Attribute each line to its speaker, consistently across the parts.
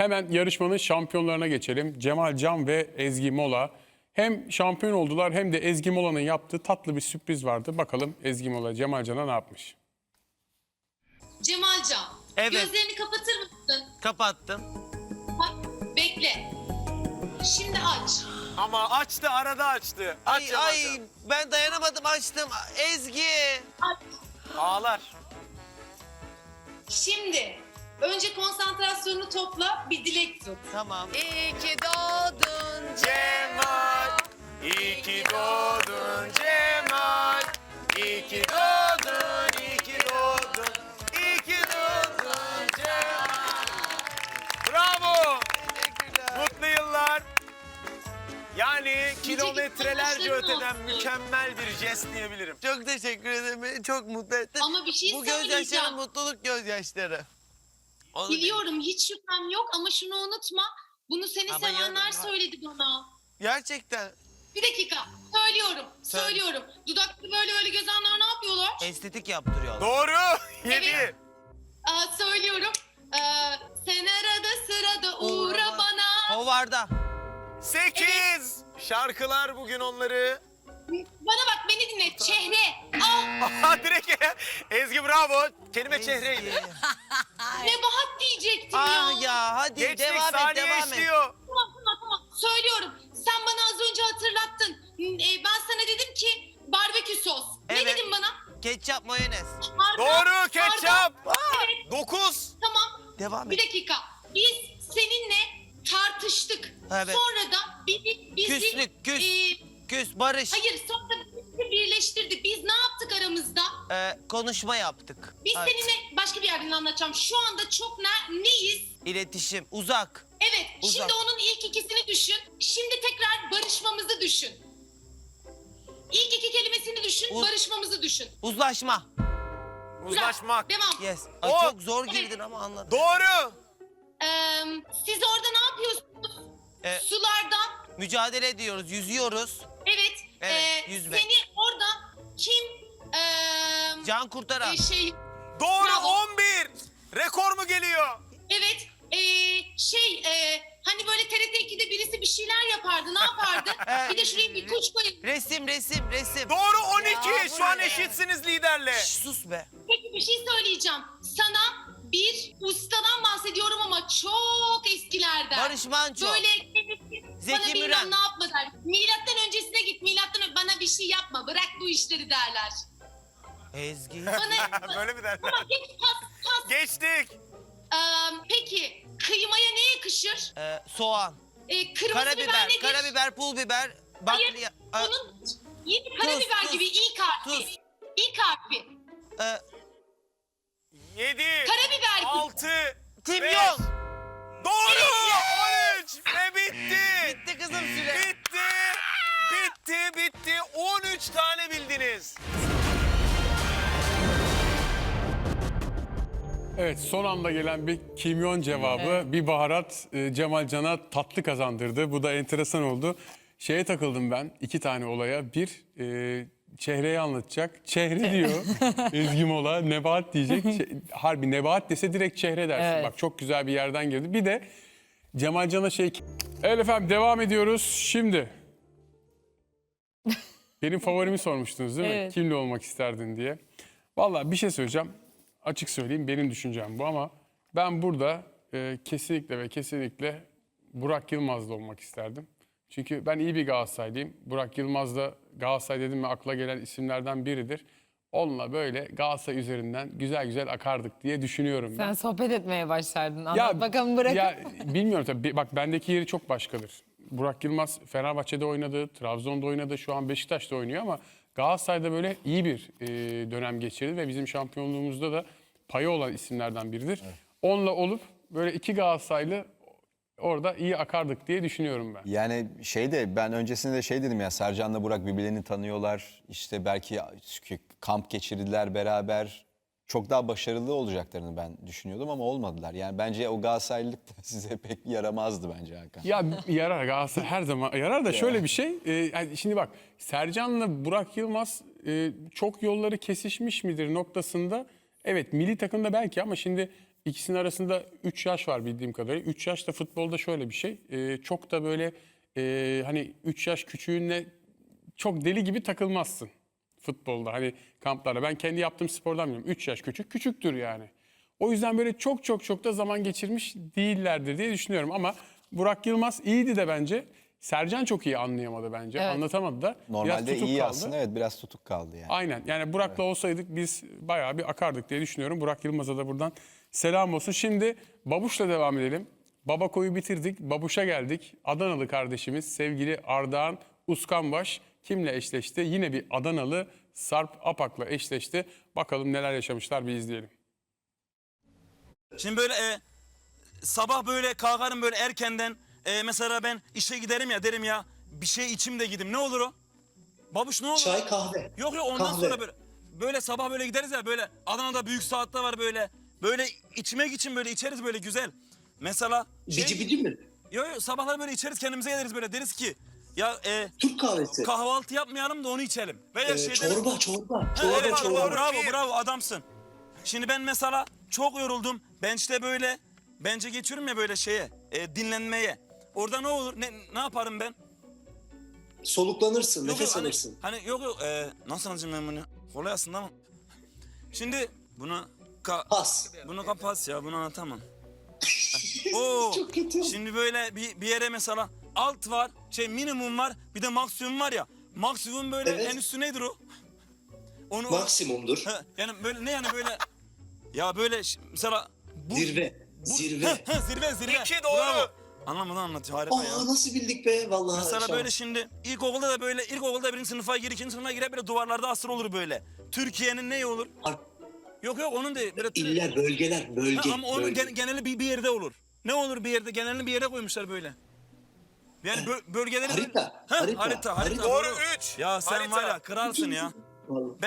Speaker 1: Hemen yarışmanın şampiyonlarına geçelim. Cemal Can ve Ezgi Mola. Hem şampiyon oldular hem de Ezgi Mola'nın yaptığı tatlı bir sürpriz vardı. Bakalım Ezgi Mola Cemal Can'a ne yapmış?
Speaker 2: Cemalcan,
Speaker 3: Evet.
Speaker 2: gözlerini kapatır mısın?
Speaker 3: Kapattım.
Speaker 2: Bak, bekle. Şimdi aç.
Speaker 4: Ama açtı, arada açtı. Aç
Speaker 3: Ay,
Speaker 4: Cemalcan.
Speaker 3: ben dayanamadım, açtım. Ezgi.
Speaker 2: Aç.
Speaker 4: Ağlar.
Speaker 2: Şimdi önce konsantrasyonunu topla, bir dilek tut.
Speaker 3: Tamam.
Speaker 5: İyi ki doğdun
Speaker 4: Cemal, iyi ki doğdun Cemal. İyi ki doğdun, iyi ki doğdun. İyi ki doğdun Cemal. Bravo. Mutlu yıllar. Yani kilometrelerce
Speaker 2: başarılı
Speaker 4: öteden
Speaker 2: olsun.
Speaker 4: mükemmel bir jest diyebilirim.
Speaker 3: Çok teşekkür ederim. Beni çok mutlu ettin.
Speaker 2: Ama bir şey
Speaker 3: Bu gözyaşları
Speaker 2: söyleyeceğim.
Speaker 3: mutluluk gözyaşları. Onu
Speaker 2: Biliyorum, hiç şüphem yok ama şunu unutma. Bunu seni
Speaker 3: Ama
Speaker 2: sevenler
Speaker 3: ya-
Speaker 2: söyledi bana.
Speaker 3: Gerçekten
Speaker 2: Bir dakika, söylüyorum,
Speaker 3: Söyle.
Speaker 2: söylüyorum. Dudaklı böyle böyle gezenler ne yapıyorlar?
Speaker 3: estetik yaptırıyorlar.
Speaker 4: Doğru.
Speaker 2: Evet.
Speaker 4: 7.
Speaker 2: Söylüyorum. Sen arada sırada uğra bana.
Speaker 3: Hovarda.
Speaker 4: 8. Şarkılar bugün onları.
Speaker 2: Bana bak, beni dinle. Çehre. Al.
Speaker 4: Aha, direkt Ezgi bravo. Kelime çehreydi.
Speaker 2: Nebahat diyecektim ya.
Speaker 3: Ah ya hadi
Speaker 4: Geçtik,
Speaker 3: devam et
Speaker 4: saniye
Speaker 3: devam et.
Speaker 4: işliyor.
Speaker 2: Tamam. Söylüyorum. Sen bana az önce hatırlattın. Ben sana dedim ki barbekü sos.
Speaker 3: Evet.
Speaker 2: Ne dedin bana?
Speaker 3: Ketçap mayonez.
Speaker 2: Hardal,
Speaker 4: Doğru, ketçap.
Speaker 2: Evet,
Speaker 4: 9.
Speaker 2: tamam.
Speaker 3: Devam
Speaker 2: Bir
Speaker 3: et.
Speaker 2: dakika. Biz seninle tartıştık.
Speaker 3: Evet.
Speaker 2: Sonra da bizi...
Speaker 3: Küslük, küs.
Speaker 2: e,
Speaker 3: Küs, barış.
Speaker 2: hayır, sonra bizi birleştirdi. Biz ne yaptık aramızda?
Speaker 3: Konuşma yaptık.
Speaker 2: Biz
Speaker 3: Evet.
Speaker 2: seninle başka bir yerden anlatacağım. Şu anda çok neyiz?
Speaker 3: İletişim, uzak.
Speaker 2: Evet,
Speaker 3: Uzak.
Speaker 2: şimdi onun ilk ikisini düşün. Şimdi tekrar barışmamızı düşün. İlk iki kelimesini düşün,
Speaker 3: Uz-
Speaker 2: barışmamızı düşün.
Speaker 3: Uzlaşma.
Speaker 4: Uzlaşmak.
Speaker 2: Devam.
Speaker 3: Yes. Ay,
Speaker 4: O-
Speaker 3: çok zor girdin ama anladım.
Speaker 4: Doğru.
Speaker 2: Siz orada ne yapıyorsunuz?
Speaker 3: Ee,
Speaker 2: Sularda.
Speaker 3: Mücadele ediyoruz, yüzüyoruz.
Speaker 2: Evet.
Speaker 3: Evet, yüzme.
Speaker 2: Seni orada kim
Speaker 3: Can kurtaran.
Speaker 2: şey
Speaker 4: Doğru.
Speaker 2: Bravo.
Speaker 4: 11. Rekor mu geliyor?
Speaker 2: evet hani böyle TRT 2'de birisi bir şeyler yapardı, ne yapardı? Bir de şuraya bir kuş koyup.
Speaker 3: Resim.
Speaker 4: Doğru 12.
Speaker 3: Ya, bu
Speaker 4: Şu an
Speaker 3: ne?
Speaker 4: eşitsiniz liderle.
Speaker 3: Şş, sus be.
Speaker 2: Peki bir şey söyleyeceğim. Sana bir ustadan bahsediyorum ama çok eskilerden.
Speaker 3: Barış Manço.
Speaker 2: Böyle
Speaker 3: Zeki
Speaker 2: bana bilmem
Speaker 3: Müren.
Speaker 2: ne yapma der. Milattan öncesine git. Bana bir şey yapma. Bırak bu işleri derler.
Speaker 3: Ezgi.
Speaker 2: Bana
Speaker 4: Böyle mi derler?
Speaker 2: tamam, geç, pas.
Speaker 4: Geçtik.
Speaker 2: Peki kıymaya ne yakışır?
Speaker 3: Soğan.
Speaker 2: Kırmızı biber
Speaker 3: Karabiber,
Speaker 2: nedir?
Speaker 3: karabiber, pul biber.
Speaker 2: Hayır,
Speaker 3: Bakliya.
Speaker 2: onun yeni karabiber
Speaker 3: tuz,
Speaker 2: gibi ilk harfi.
Speaker 3: tuz.
Speaker 2: İlk harfi.
Speaker 4: 7.
Speaker 2: Karabiber gibi.
Speaker 4: 6.
Speaker 3: Timyon.
Speaker 4: Doğru. 13. Ve bitti.
Speaker 3: Bitti kızım süre.
Speaker 4: Bitti. 13 tane bildiniz.
Speaker 1: Evet, son anda gelen bir kimyon cevabı, bir baharat Cemal Can'a tatlı kazandırdı. Bu da enteresan oldu. Şeye takıldım ben, 2 tane olaya. Bir, çehreyi anlatacak. Çehre diyor Ezgi Mola, nebahat diyecek. Harbi nebahat dese direkt çehre dersin.
Speaker 5: Evet.
Speaker 1: Bak çok güzel bir yerden girdi. Bir de Cemal Can'a Evet efendim, devam ediyoruz. Şimdi benim favorimi sormuştunuz değil mi?
Speaker 5: Evet.
Speaker 1: Kimle olmak isterdin diye. Vallahi bir şey söyleyeceğim. Açık söyleyeyim, benim düşüncem bu ama ben burada kesinlikle ve kesinlikle Burak Yılmaz'la olmak isterdim. Çünkü ben iyi bir Galatasaraylıyım. Burak Yılmaz da Galatasaray dedim mi akla gelen isimlerden biridir. Onunla böyle Galatasaray üzerinden güzel güzel akardık diye düşünüyorum ben.
Speaker 5: Sen sohbet etmeye başlardın. Anlat bakalım bırak.
Speaker 1: Ya bilmiyorum tabii. Bak bendeki yeri çok başkadır. Burak Yılmaz Fenerbahçe'de oynadı, Trabzon'da oynadı, şu an Beşiktaş'ta oynuyor ama Galatasaray'da böyle iyi bir dönem geçirdi ve bizim şampiyonluğumuzda da payı olan isimlerden biridir. Evet. Onunla olup böyle 2 Galatasaraylı orada iyi akardık diye düşünüyorum ben.
Speaker 6: Yani ben öncesinde de dedim ya, Sercan'la Burak birbirlerini tanıyorlar. İşte belki kamp geçirdiler beraber. Çok daha başarılı olacaklarını ben düşünüyordum ama olmadılar. Yani bence o Galatasaraylılık da size pek yaramazdı bence Hakan.
Speaker 1: Ya yarar, Galatasaray her zaman yarar da şöyle bir şey. Yani şimdi bak, Sercan'la Burak Yılmaz çok yolları kesişmiş midir noktasında. Evet, milli takımda belki ama şimdi İkisinin arasında 3 yaş var bildiğim kadarıyla. 3 yaş da futbolda şöyle bir şey. Çok da böyle hani 3 yaş küçüğünle çok deli gibi takılmazsın futbolda. Hani kamplarda. Ben kendi yaptığım spordan biliyorum. 3 yaş küçüktür yani. O yüzden böyle çok da zaman geçirmiş değillerdir diye düşünüyorum. Ama Burak Yılmaz iyiydi de bence. Sercan çok iyi anlayamadı bence.
Speaker 5: Evet.
Speaker 1: Anlatamadı da. Biraz
Speaker 6: Normalde
Speaker 1: tutuk
Speaker 6: iyi
Speaker 1: kaldı.
Speaker 6: aslında, evet, biraz tutuk kaldı yani.
Speaker 1: Aynen. Yani Burak'la olsaydık biz bayağı bir akardık diye düşünüyorum. Burak Yılmaz'a da buradan selam olsun. Şimdi Babuş'la devam edelim. Babako'yu bitirdik. Babuş'a geldik. Adanalı kardeşimiz sevgili Ardahan Uskanbaş kimle eşleşti? Yine bir Adanalı Sarp Apak'la eşleşti. Bakalım neler yaşamışlar, bir izleyelim.
Speaker 7: Şimdi böyle sabah böyle kalkarım böyle erkenden mesela ben işe giderim ya derim ya bir şey içim de gidim. Ne olur o? Babuş ne olur?
Speaker 8: Çay, kahve.
Speaker 7: Yok ondan
Speaker 8: Kahve.
Speaker 7: sonra böyle sabah böyle gideriz ya böyle Adana'da büyük saatte var böyle içmek için böyle içeriz böyle güzel. Mesela
Speaker 8: Bici bici mi?
Speaker 7: yok sabahlar böyle içeriz kendimize geliriz böyle deriz ki ya
Speaker 8: Türk kahvesi.
Speaker 7: kahvaltı yapmayalım da onu içelim. Veya
Speaker 8: Çorba.
Speaker 7: Ha, evet, bravo adamsın. Şimdi ben mesela çok yoruldum. Ben işte böyle bence geçiyorum ya böyle şeye dinlenmeye. Orada ne olur ne yaparım ben?
Speaker 8: Soluklanırsın, nefes
Speaker 7: hani,
Speaker 8: alırsın.
Speaker 7: Hani nasıl anlayacağım ben bunu? Kolay aslında ama. Şimdi bunu
Speaker 8: Pas.
Speaker 7: bunu kapat ya bunu anlatamam. Oo,
Speaker 8: Çok kötü.
Speaker 7: şimdi böyle bir yere mesela alt var minimum var bir de maksimum var ya. Maksimum böyle
Speaker 8: Evet.
Speaker 7: en üstü nedir o? Onu
Speaker 8: Maksimumdur.
Speaker 7: yani böyle ne yani böyle ya böyle mesela
Speaker 8: Zirve. Zirve.
Speaker 7: Zirve.
Speaker 4: İki doğru.
Speaker 7: Bravo. Anlamadan anlatıyor harika ya.
Speaker 8: Nasıl bildik be vallahi.
Speaker 7: Mesela
Speaker 8: şans.
Speaker 7: böyle şimdi ilkokulda birinci sınıfa gir, ikinci sınıfa girer böyle duvarlarda asır olur böyle. Türkiye'nin neyi olur?
Speaker 8: Ar-
Speaker 7: Yok onun değil. Böyle
Speaker 8: İller, bölgeler, bölge.
Speaker 7: ama onun
Speaker 8: bölge.
Speaker 7: geneli bir yerde olur. Ne olur bir yerde genelini bir yere koymuşlar böyle. Yani bölgeleri
Speaker 8: Harita,
Speaker 7: harita.
Speaker 4: Doğru 3.
Speaker 7: Ya sen
Speaker 4: Harita.
Speaker 7: var ya kralsın ya.
Speaker 8: Vallahi.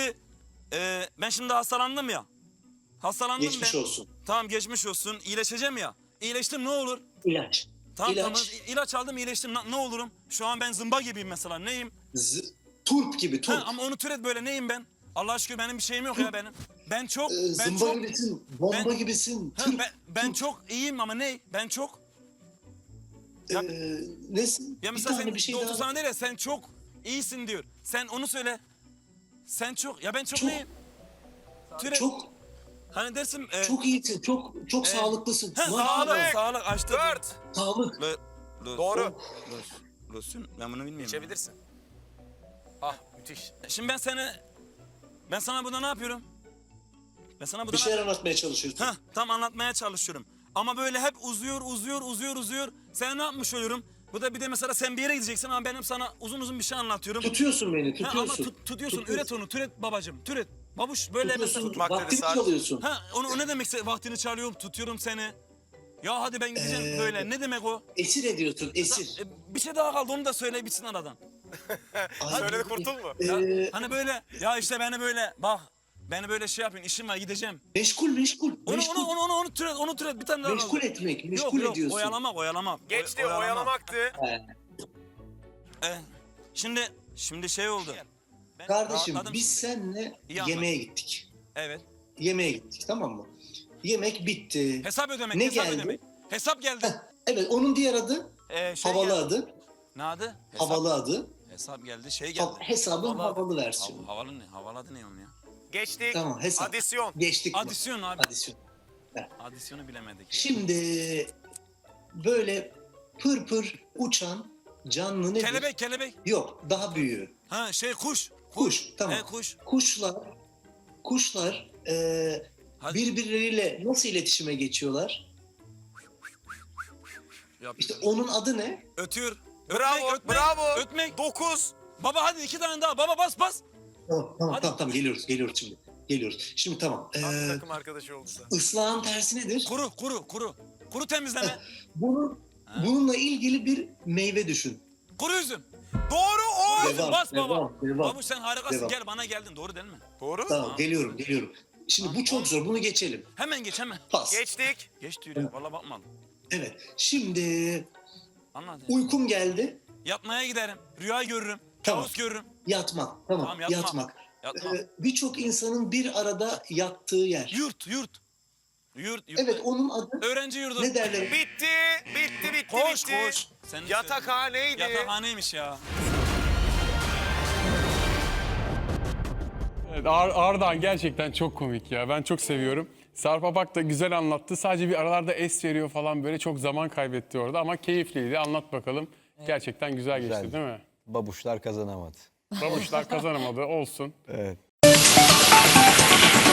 Speaker 7: Ben şimdi hastalandım ya. Hastalandım
Speaker 8: Geçmiş
Speaker 7: ben.
Speaker 8: olsun.
Speaker 7: Tamam geçmiş olsun. İyileşeceğim ya. İyileştim ne olur?
Speaker 8: İlaç.
Speaker 7: Tamam
Speaker 8: İlaç.
Speaker 7: ilaç aldım iyileştim. Ne olurum? Şu an ben zımba gibiyim mesela. Neyim?
Speaker 8: Turp gibi turp.
Speaker 7: Ama onu türet böyle neyim ben? Allah aşkına benim bir şeyim yok ya benim. Ben çok
Speaker 8: Zımba gibisin, bomba
Speaker 7: ben-
Speaker 8: gibisin.
Speaker 7: Ha,
Speaker 8: Turp.
Speaker 7: ben çok iyiyim ama ne? Ben çok. Ya,
Speaker 8: Nesin?
Speaker 7: ya
Speaker 8: Bir
Speaker 7: mesela
Speaker 8: tane
Speaker 7: sen
Speaker 8: bir şey
Speaker 7: doktor
Speaker 8: daha.
Speaker 7: sana değil ya sen çok iyisin diyor. Sen onu söyle. Sen çok ya ben çok
Speaker 8: Çok.
Speaker 7: neyim? Türet.
Speaker 8: Çok
Speaker 7: Hani dersin
Speaker 8: çok iyisin, çok sağlıklısın. Maşallah.
Speaker 7: sağlık açtı.
Speaker 4: 4.
Speaker 8: Sağlık.
Speaker 4: Doğru.
Speaker 7: Losun ben bunu bilmiyorum.
Speaker 4: İçebilirsin. Ah müthiş.
Speaker 7: Şimdi ben sana burada ne yapıyorum? Ben sana burada
Speaker 8: Bir şeyler anlatmaya çalışıyorsun.
Speaker 7: tam anlatmaya çalışıyorum. Ama böyle hep uzuyor. Sen ne yapmış oluyorum? Bu da bir de mesela sen bir yere gideceksin ama benim sana uzun bir şey anlatıyorum.
Speaker 8: Tutuyorsun beni,
Speaker 7: Ha,
Speaker 8: tutuyorsun.
Speaker 7: ama tutuyorsun, üret onu, türet babacığım, türet. Babuş böyle mesela
Speaker 8: Tutuyorsun,
Speaker 4: tutmak dedi
Speaker 8: vaktini
Speaker 4: Sarp.
Speaker 8: çalıyorsun.
Speaker 7: o ne demekse vaktini çalıyorum, tutuyorum seni. Ya hadi ben gideceğim böyle. Ne demek o?
Speaker 8: Esir ediyorsun, esir.
Speaker 7: Bir şey daha kaldı onu da söyle bitsin aradan.
Speaker 4: Söyle kurtulma.
Speaker 7: Hani böyle ya işte beni böyle bak beni böyle şey yapın işim var gideceğim.
Speaker 8: Meşgul.
Speaker 7: Onu türet bir tane daha
Speaker 8: Meşgul
Speaker 7: kaldı.
Speaker 8: etmek, meşgul
Speaker 7: Yok
Speaker 8: ediyorsun.
Speaker 7: oyalamak.
Speaker 4: Geçti oyalamaktı.
Speaker 7: Şimdi şey oldu. Ben
Speaker 8: Kardeşim
Speaker 7: rahatladım
Speaker 8: biz
Speaker 7: şimdi.
Speaker 8: seninle
Speaker 7: İyi anlat.
Speaker 8: yemeğe gittik.
Speaker 7: Evet.
Speaker 8: Yemeğe gittik, tamam mı? Yemek bitti.
Speaker 7: Hesap ödemek.
Speaker 8: Ne
Speaker 7: hesap
Speaker 8: geldi?
Speaker 7: ödemek. Hesap geldi.
Speaker 8: Evet, onun diğer adı havalı
Speaker 7: geldi.
Speaker 8: adı.
Speaker 7: Ne adı?
Speaker 8: Havalı adı.
Speaker 7: Hesap geldi. Şey geldi.
Speaker 8: Hesabın havalı versiyonu.
Speaker 7: Havalı ne? Havalı adı ne onun ya?
Speaker 4: Geçtik.
Speaker 8: Tamam, hesap.
Speaker 4: Adisyon.
Speaker 8: Geçtik mi?
Speaker 7: Adisyon abi.
Speaker 8: Adisyon.
Speaker 7: Adisyonu bilemedik.
Speaker 8: Şimdi böyle pır uçan canlı nedir?
Speaker 7: Kelebek.
Speaker 8: Yok, daha büyüğü.
Speaker 7: Ha kuş.
Speaker 8: Kuş, tamam.
Speaker 7: Kuş.
Speaker 8: Kuşlar
Speaker 7: Hadi.
Speaker 8: birbirleriyle nasıl iletişime geçiyorlar?
Speaker 7: Yap.
Speaker 8: İşte onun adı ne?
Speaker 7: Ötüyor.
Speaker 4: Bravo.
Speaker 7: Ötmek.
Speaker 4: Bravo.
Speaker 7: Ötmek.
Speaker 4: 9.
Speaker 7: Baba hadi 2 tane daha. Baba bas. Hadi.
Speaker 8: Tamam, geliyoruz şimdi. Şimdi tamam.
Speaker 4: Takım arkadaşı oldu da.
Speaker 8: Islahın tersi nedir?
Speaker 7: Kuru. Kuru temizleme.
Speaker 8: Bununla ilgili bir meyve düşün.
Speaker 7: Kuru üzüm.
Speaker 4: Doğru 10.
Speaker 8: Devam,
Speaker 7: Bas baba.
Speaker 8: devam.
Speaker 7: Babuş sen harikasın.
Speaker 8: Devam.
Speaker 7: Gel bana geldin. Doğru değil mi?
Speaker 4: Doğru.
Speaker 8: Tamam, geliyorum. Şimdi bu çok zor, bunu geçelim.
Speaker 7: Hemen geç hemen.
Speaker 8: Pas.
Speaker 4: Geçtik.
Speaker 7: Geç diyor ya. Valla bakmadım.
Speaker 8: Evet, şimdi
Speaker 7: Anladın.
Speaker 8: uykum geldi.
Speaker 7: Yatmaya giderim. Rüya görürüm.
Speaker 8: Tamam.
Speaker 7: Kabus görürüm.
Speaker 8: Yatmak, tamam,
Speaker 7: Tamam, yatmak.
Speaker 8: Birçok insanın bir arada yattığı yer.
Speaker 7: Yurt. Yurt.
Speaker 8: Evet, onun adı
Speaker 7: Öğrenci yurdu.
Speaker 8: ne derler?
Speaker 4: Bitti.
Speaker 7: Koş. Sen de
Speaker 4: Yatakhaneydi.
Speaker 7: söyle. Yatakhaneymiş ya.
Speaker 1: Evet, Ardahan gerçekten çok komik ya. Ben çok seviyorum. Sarp Apak da güzel anlattı. Sadece bir aralarda es veriyor falan, böyle çok zaman kaybetti orada ama keyifliydi. Anlat bakalım. Gerçekten güzel geçti
Speaker 6: Güzeldi.
Speaker 1: değil mi?
Speaker 6: Babuşlar kazanamadı.
Speaker 1: Babuşlar kazanamadı, olsun.
Speaker 6: Evet.